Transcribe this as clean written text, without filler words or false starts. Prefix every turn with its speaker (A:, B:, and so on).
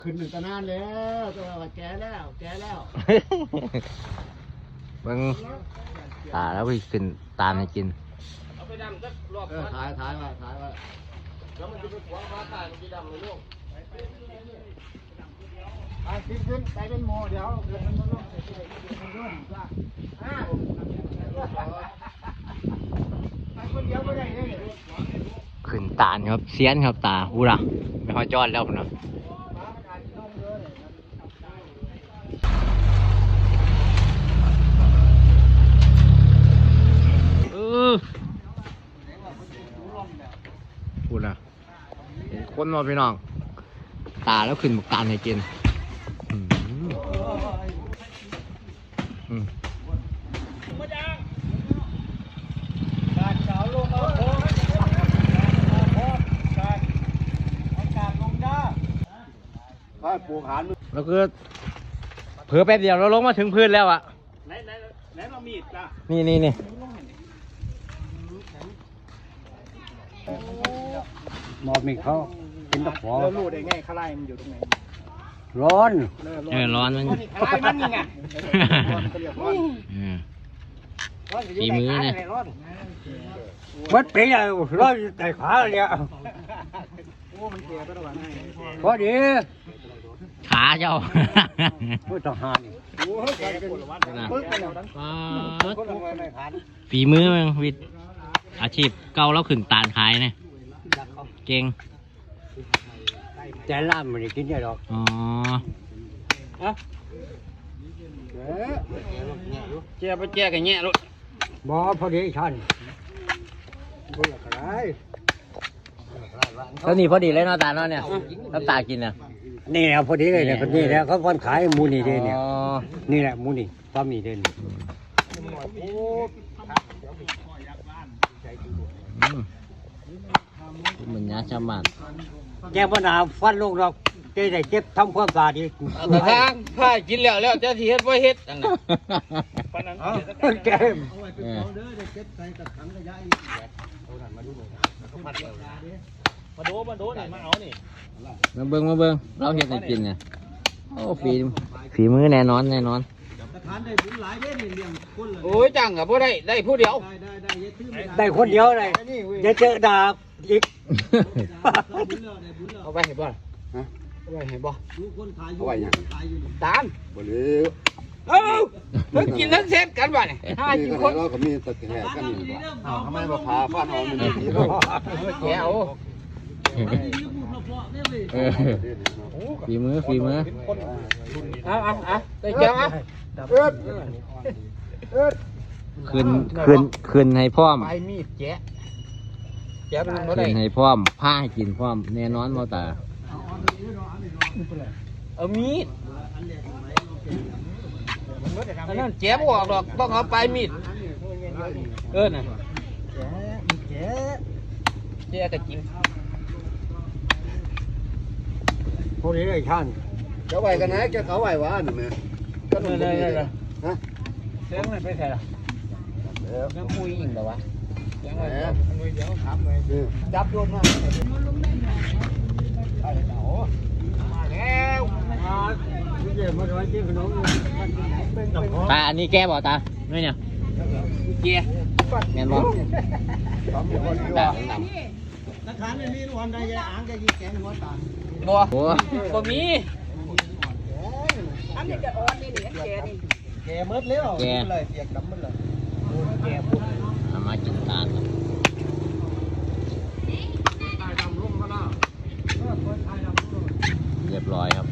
A: ขึ้นหนึ่งตะนานแล้วตัวแก่แล้ว
B: เบิ่งตาแล้วไปขึ้นตามให้กิน
C: เอาไปดำสักรอบ
A: ถ่ายไว้
C: แล้วมันจะไปขวางฟ้าตายมันจะดำเลยลูก
A: ขึ้นไปเป็นโมเดี๋ยวมันลงไปคนเดียวไม่ได้เลย
B: ขึ้นตาลครับเสียนครับตาหูระไม่ค่อยจอดแล้วนะพูดนะเห็นคนมาพี่น้องตาแล้วขึ้นบุกตาลให้กิน
A: การเสาลงเอาโค้งการลงได้ถ้าปลูกหาน
B: แล้วก็เผื่อแป๊บเดียวเราลงมาถึงพื้นแล้วอะ
C: ไหนเรามีดจ้ะ
B: นี่
A: หมอบมีเขาเป็นตะขอรู้ได้ไงข้าไล่มันอยู่ตรงไหน
B: ร้อนมัน
C: ข้าไล่มันนี่ไง
B: ฝีมือเนี่ย
A: วัดปีอะไรร้อนแต่ขาเลยอ่ะพอดี
B: ขาเจ้า
A: พูดต่อหานี่
B: ฝีมือมันวิทย์อาชีพเก่าแล้วขึ้นตาลขายเนี่ยเก่ง
A: แต่ล่ามมันกินได้หรอก
B: อ๋อ
C: แจ้ไปแจ้กันแง่ลูก
A: บ่พอดีฉัน
B: แล้วนี่พอดีเลยเนาะตาเนาะเนี่ยน้ำตากินเนี่ย
A: นี่แหละพอดีเลยเนี่ยนี่แหละเขาคนขายมูนี่เด้เนี่ยนี่แหละมูนี่ป้ามีเด้เนี่ย
B: มันยาชามัน
A: แกบ่หนาฟันลูกดอกเจ๊ได้เจ็บทำความสะอาดดี
C: แต่ทางผ้ากินแล้วเจ้าที่เฮ็ดบ่เฮ็ดอันนั้นปานนั้น
A: แก
C: มาดูนี่มาเอานี่
B: มาเบิ่งเราเฮ็ดให้กินเนี่ยโอ้ฝีมือแน่นอน
C: โอ้ยจังกับบ่ได้ผู้เดียว
A: ได้คนเดียวเลยอย่าเจอดาบอีก
C: เอาไปเห็นบ่เอาไปเห็นบ่
A: เอาไว้ยัง
C: ตาม
A: บ่เลย
C: ทั้งกินทั้งเซ็ตกันบ่เนี่ย
A: 5 คนเราก็มีตะแกรงกันนี่บ่ทำไมบ่พาฟันเอามันดีเนาะ
C: แก้ว
B: ฝีมือ
C: เอาได้แก้ว
B: ขึ้นให้พร้อม
C: ไปมีดแจ๊เป็นบ่ได้
B: ขึ้นให้พร้อมผ้าให้กินพร้อมแน่นอนบ่ตา
C: เอามีดอันนั้นแจ๊บ่ออกดอกต้องเอาไปมีดน่ะแจ๊ก็กิน
A: พวกนี้ไอ้ท่านจะไหวกันนะจะเขาไหววะหนูแม่
C: ก็เลยฮะเสียงมันไปใส่ละยังคุยอีกเหรอวะยังไงมือเดียวถามเลยจับโยนมาแล้ว
B: ตาอันนี้แกบอกตาไม่เนี่ย
C: เกียร์
B: แม่นบ่ตาดำ
A: นักขันนี่รวมได้ยาอ่างจะยิงแกงหัวตา
C: บ่มี
D: อันนี้จะอ่อนนี่นี่
A: แกมืดแล้วเลยเปียกดำมืดเลย
C: แกพูด
B: มากินตาลครับเรียบร้อยครับ